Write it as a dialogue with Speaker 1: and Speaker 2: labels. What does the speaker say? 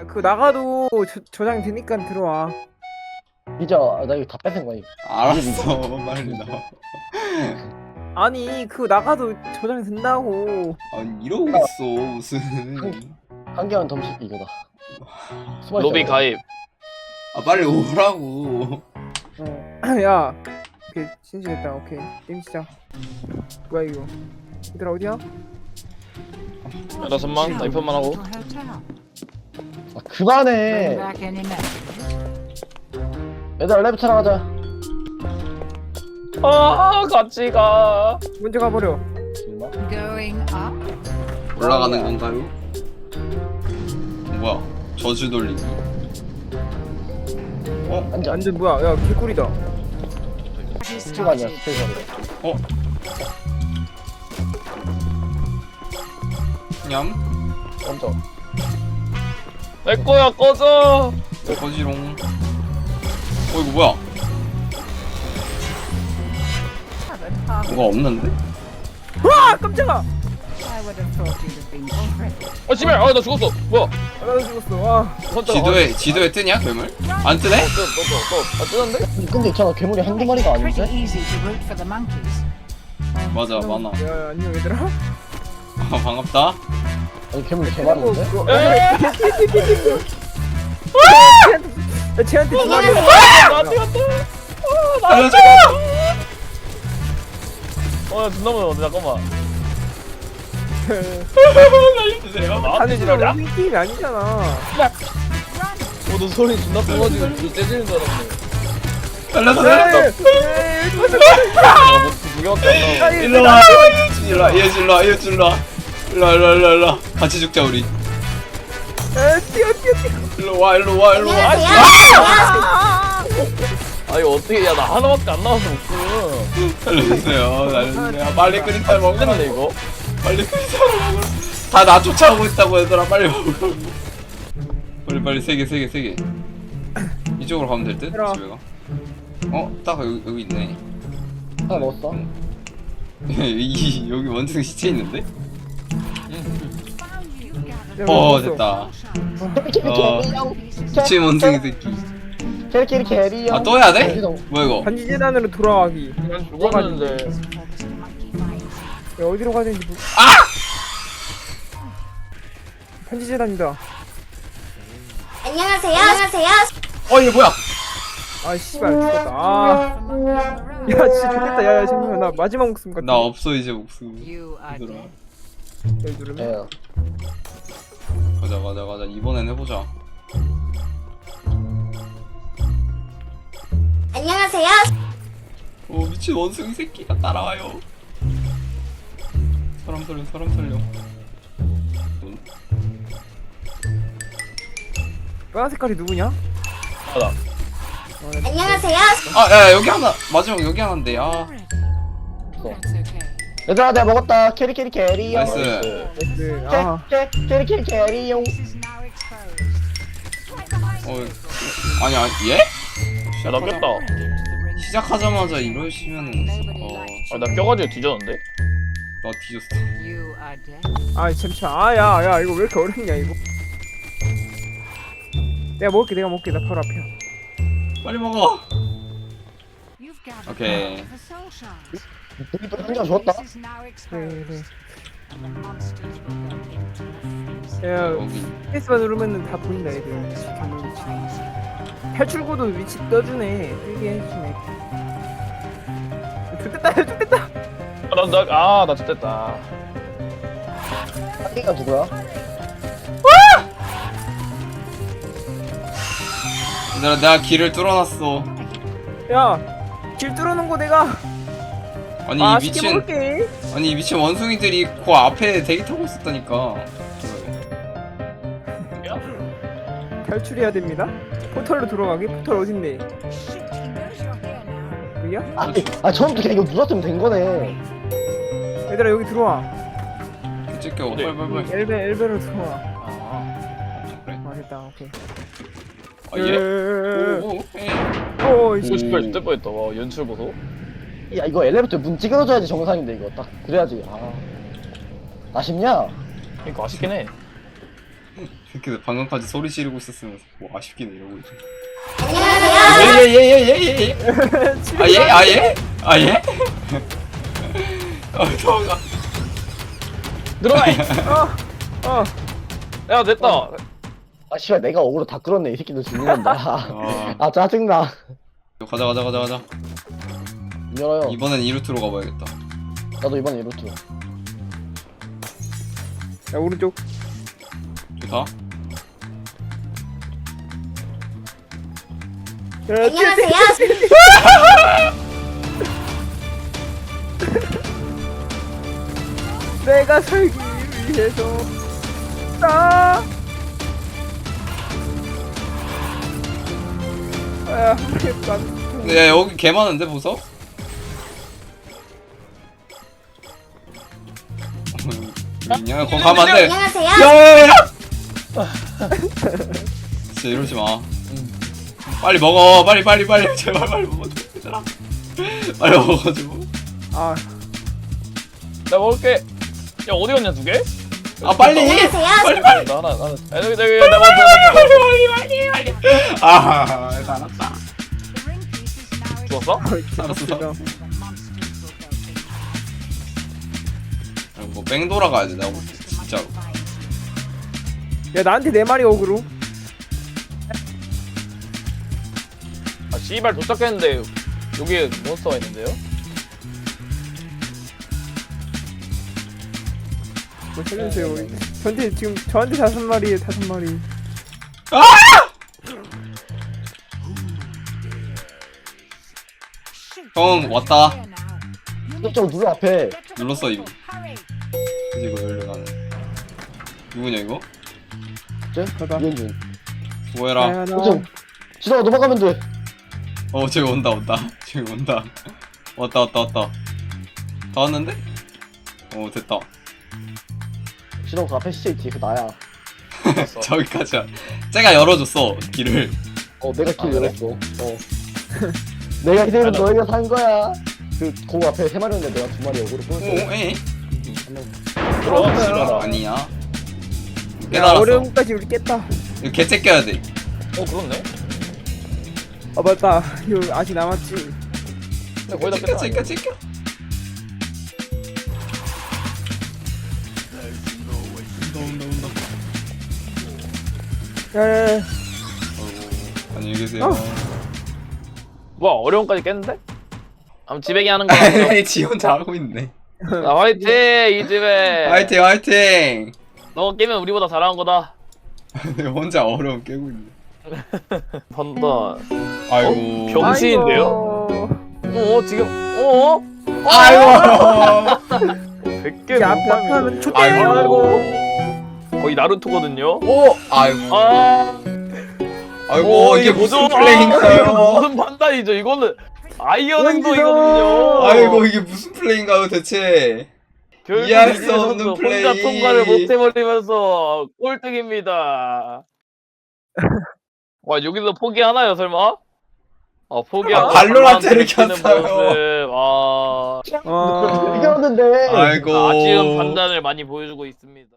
Speaker 1: 그 나가도 저장 되니까 들어와.
Speaker 2: 잊어. 나 이거 다 뺏은 거야.
Speaker 3: 알았어 빨리 나와.
Speaker 1: 아니 그 나가도 저장 된다고.
Speaker 3: 아니 이러고 있어 무슨.
Speaker 2: 한 개만 더 씩 이거다.
Speaker 4: 로비 가입.
Speaker 3: 아 빨리 오라고.
Speaker 1: 야, 오케이 신시됐다. 오케이 게임 시작. 뭐야 이거? 얘들아 어디야?
Speaker 4: 나 선만 나 이편만 하고.
Speaker 2: 아, 그만해. 얘들아 랩 찾아가자.
Speaker 4: 아 같이 가.
Speaker 1: 먼저 가버려.
Speaker 2: 일마.
Speaker 3: 올라가는 건가요? 뭐야 저주 돌리기.
Speaker 2: 앉아.
Speaker 1: 완전 뭐야? 야 개꿀이다.
Speaker 2: 스피가 아니야 스피가.
Speaker 3: 냠.
Speaker 2: 앉아.
Speaker 4: 내 거야 꺼져.
Speaker 3: 거지롱. 이거 뭐야? 뭐가 없는데?
Speaker 1: 와 깜짝아.
Speaker 4: 아 씨발 아나 죽었어. 뭐야?
Speaker 1: 나도 죽었어. 와.
Speaker 3: 지도에 뜨냐 괴물? 안 뜨네?
Speaker 4: 아 뜨는데?
Speaker 2: 근데 있잖아 괴물이 한두 마리가 아닌데?
Speaker 3: 맞아 많아.
Speaker 1: 야 안녕 얘들아.
Speaker 3: 아 반갑다.
Speaker 2: 아니 괴물이 개 많은데?
Speaker 1: 야 쟤한테 두 마리.
Speaker 4: 나한테 갔다.
Speaker 3: 알려줘.
Speaker 4: 나 존나 무서워. 잠깐만.
Speaker 3: 알려주세요.
Speaker 4: 나한테
Speaker 1: 지금
Speaker 4: 지랄이야?
Speaker 1: 우리 팀이 아니잖아.
Speaker 4: 너 소리 존나 커가지고 이 째지는 줄 알았네.
Speaker 3: 알려주세요.
Speaker 4: 두 개밖에 안 나와.
Speaker 3: 일로 와. 일로 와. 일로 와. 일로 와. 일로 와. 같이 죽자 우리.
Speaker 1: 뛰어.
Speaker 3: 일로 와. 일로 와.
Speaker 4: 아 이거 어떻게 야 나 하나밖에 안 나와서 목숨.
Speaker 3: 알려주세요. 빨리 끓이다 먹어.
Speaker 4: 힘드네 이거.
Speaker 3: 빨리 끓이다 먹어. 다 나 쫓아오고 있다고 얘들아 빨리 먹어. 빨리 세 개. 이쪽으로 가면 될 듯? 집에
Speaker 1: 얘들아.
Speaker 3: 가. 딱 여기 있네.
Speaker 2: 하나 먹었어.
Speaker 3: 여기 원숭이 시체 있는데?
Speaker 1: 야,
Speaker 3: 됐다.
Speaker 2: 캐리
Speaker 3: 시체 원숭이 새끼.
Speaker 2: 캐리.
Speaker 3: 아 또 해야 돼? 뭐야 이거?
Speaker 1: 반지 재단으로 돌아가기.
Speaker 4: 난 죽었는데.
Speaker 1: 야, 어디로 가야 되는지 모르... 반지 재단이다.
Speaker 5: 안녕하세요.
Speaker 3: 이게 뭐야?
Speaker 1: 아 씨발 죽었다. 야 진짜 좋겠다. 야 잠깐만 나 마지막 목숨 같아.
Speaker 3: 나 없어 이제 목숨. 얘들아.
Speaker 1: 여기 누르면.
Speaker 3: 가자. 이번엔 해보자.
Speaker 5: 안녕하세요.
Speaker 3: 오 미친 원숭이 새끼가 따라와요. 사람 살려.
Speaker 1: 빨간 색깔이 누구냐?
Speaker 4: 나다.
Speaker 5: 안녕하세요.
Speaker 3: 야 여기 하나 마지막 여기 하나인데.
Speaker 2: 얘들아 내가 먹었다. 캐리.
Speaker 3: 나이스.
Speaker 1: 나이스.
Speaker 2: 캐리.
Speaker 3: 아니 얘?
Speaker 4: 야나 꼈다.
Speaker 3: 시작하자마자 이러시면은
Speaker 4: 나 껴가지고 뒤졌는데.
Speaker 3: 나 뒤졌어.
Speaker 1: 아 잠시만. 야 이거 왜 이렇게 어렵냐 이거. 내가 먹을게. 나 바로 앞이야.
Speaker 3: 빨리 먹어. 오케이.
Speaker 2: 우리 한장 줬다.
Speaker 1: 그래. 야
Speaker 3: 여기.
Speaker 1: 스페이스바 누르면은 다 보인다 애들. 경로 위치. 탈출구도 위치 떠주네. 뜨게 해주네. 좋됐다.
Speaker 4: 나 죽겠다.
Speaker 2: 한 개가 누구야?
Speaker 3: 얘들아 내가 길을 뚫어놨어.
Speaker 1: 야길 뚫어놓은 거 내가.
Speaker 3: 아니 이
Speaker 1: 쉽게
Speaker 3: 미친
Speaker 1: 먹을게.
Speaker 3: 아니 이 미친 원숭이들이 그 앞에 대기 타고 있었다니까.
Speaker 1: 탈출해야 됩니다. 포털로 들어가게. 포털 어딘데? 여기야?
Speaker 2: 처음부터 그냥 이거 눌렀으면 된 거네.
Speaker 1: 얘들아 여기 들어와.
Speaker 3: 찍혀.
Speaker 4: 어디?
Speaker 3: 빨리.
Speaker 1: 엘베로 들어와.
Speaker 3: 그래?
Speaker 1: 됐다. 오케이.
Speaker 3: 얘.
Speaker 1: 오,
Speaker 4: 오 씨발 죽을 뻔했다. 와 연출 보소.
Speaker 2: 야 이거 엘리베이터 문 찌그러져야지 정상인데 이거 딱 그래야지. 아쉽냐?
Speaker 4: 그러니까 아쉽긴 해.
Speaker 3: 새끼들 방금까지 소리 지르고 있었으면 뭐 아쉽긴 해 이러고 있지.
Speaker 5: 안녕하세요.
Speaker 3: 예예예예예. 아 예? 아 예? 아 예? 도망가.
Speaker 4: 들어가.
Speaker 1: 어.
Speaker 4: 야 됐다.
Speaker 2: 아 씨발 내가 어그로 다 끌었네 이 새끼들 죽는 건다. 아 짜증나.
Speaker 3: 가자 가자 가자 가자.
Speaker 2: 열어요.
Speaker 3: 이번엔 이 루트로 가봐야겠다.
Speaker 2: 나도 이번에 이 루트.
Speaker 1: 야 오른쪽.
Speaker 3: 좋다.
Speaker 1: 야,
Speaker 5: 안녕하세요.
Speaker 1: 내가 살기 위해서 나. 아, 난.
Speaker 3: 야 여기 개 많은데 보석? 있냐? 거기 가면 안 돼.
Speaker 5: 안녕하세요.
Speaker 3: 야야야! 진짜 이러지 마. 빨리 먹어. 빨리 제발 빨리 먹어줘. 얘들아. 빨리 먹어줘.
Speaker 1: 아,
Speaker 4: 나 먹을게. 야 어디 갔냐 두 개?
Speaker 3: 아 빨리.
Speaker 5: 안녕하세요.
Speaker 3: 빨리.
Speaker 4: 나 하나. 야, 여기 나 먹었어.
Speaker 3: 빨리. 아, 알았다.
Speaker 4: 죽었어?
Speaker 3: 알았어. 뭐 뺑돌아 가야 돼. 내가 볼 때. 진짜로.
Speaker 1: 야 나한테 내 말이 어그로.
Speaker 4: 아 씨발 도착했는데 여기에 몬스터가 있는데요?
Speaker 1: 뭐 살려주세요. 저한테 지금 저한테 5마리에 5마리.
Speaker 3: 형 왔다.
Speaker 2: 좀 눌러 앞에.
Speaker 3: 눌렀어 이거. 이제 이거 열려가네. 누구냐 이거?
Speaker 1: 가다.
Speaker 2: 이현준.
Speaker 3: 수고해라.
Speaker 1: 야, 나.
Speaker 2: 호정. 지나가 넘어가면 돼.
Speaker 3: 어 저기 온다. 저기 온다. 왔다. 다 왔는데? 어 됐다.
Speaker 2: 지나가 그 앞에 시체 있지. 그 나야.
Speaker 3: 저기까지야. 쟤가 열어줬어 길을.
Speaker 2: 내가 길
Speaker 4: 그래?
Speaker 2: 열었어. 내가 기다리면 너희가 산 거야. 그 앞에 3마리였는데 내가 2마리 어그로
Speaker 3: 오,
Speaker 2: 끌었어.
Speaker 3: 에?
Speaker 4: 들어와 씨발.
Speaker 3: 아니야.
Speaker 1: 야
Speaker 3: 깨달았어.
Speaker 1: 어려움까지 우리 깼다.
Speaker 3: 이거 개체 껴야 돼.
Speaker 4: 그렇네.
Speaker 1: 아 맞다. 이거 아직 남았지.
Speaker 4: 근데 거의 다 깼다.
Speaker 3: 챙겨. 온다.
Speaker 1: 야야야.
Speaker 3: 안녕히 계세요.
Speaker 4: 뭐야 어려움까지 깼는데? 아무 지배기 하는 거야.
Speaker 3: 지 혼자 하고 있네.
Speaker 4: 나 화이팅 이 집에.
Speaker 3: 화이팅.
Speaker 4: 너 깨면 우리보다 잘하는 거다.
Speaker 3: 혼자 어려움 깨고 있네.
Speaker 4: 판다.
Speaker 3: 아이고.
Speaker 4: 병신인데요?
Speaker 1: 아이고.
Speaker 4: 지금
Speaker 3: 아이고.
Speaker 4: 100개
Speaker 1: 야,
Speaker 4: 못
Speaker 1: 앞에
Speaker 4: 파면
Speaker 1: 좋대요.
Speaker 4: 아이고 거의 나루토거든요.
Speaker 3: 오. 아이고.
Speaker 4: 오,
Speaker 3: 이게 무슨
Speaker 4: 뭐죠?
Speaker 3: 플레이인가요?
Speaker 4: 무슨 판단이죠? 이거는 아이언
Speaker 1: 원기죠.
Speaker 4: 행동이거든요.
Speaker 3: 아이고 이게 무슨 플레이인가요 대체?
Speaker 4: 결국
Speaker 3: 이해할 수
Speaker 4: 이제
Speaker 3: 없는
Speaker 4: 선수
Speaker 3: 플레이.
Speaker 4: 혼자 통과를 못해버리면서 꼴등입니다. 와 여기서 포기하나요 설마? 포기하고
Speaker 3: 발로란트를
Speaker 4: 가만히
Speaker 3: 켰어요.
Speaker 4: 모습. 아,
Speaker 1: 어.
Speaker 2: 이겼는데.
Speaker 3: 아이고.
Speaker 4: 아쉬운 판단을 많이 보여주고 있습니다.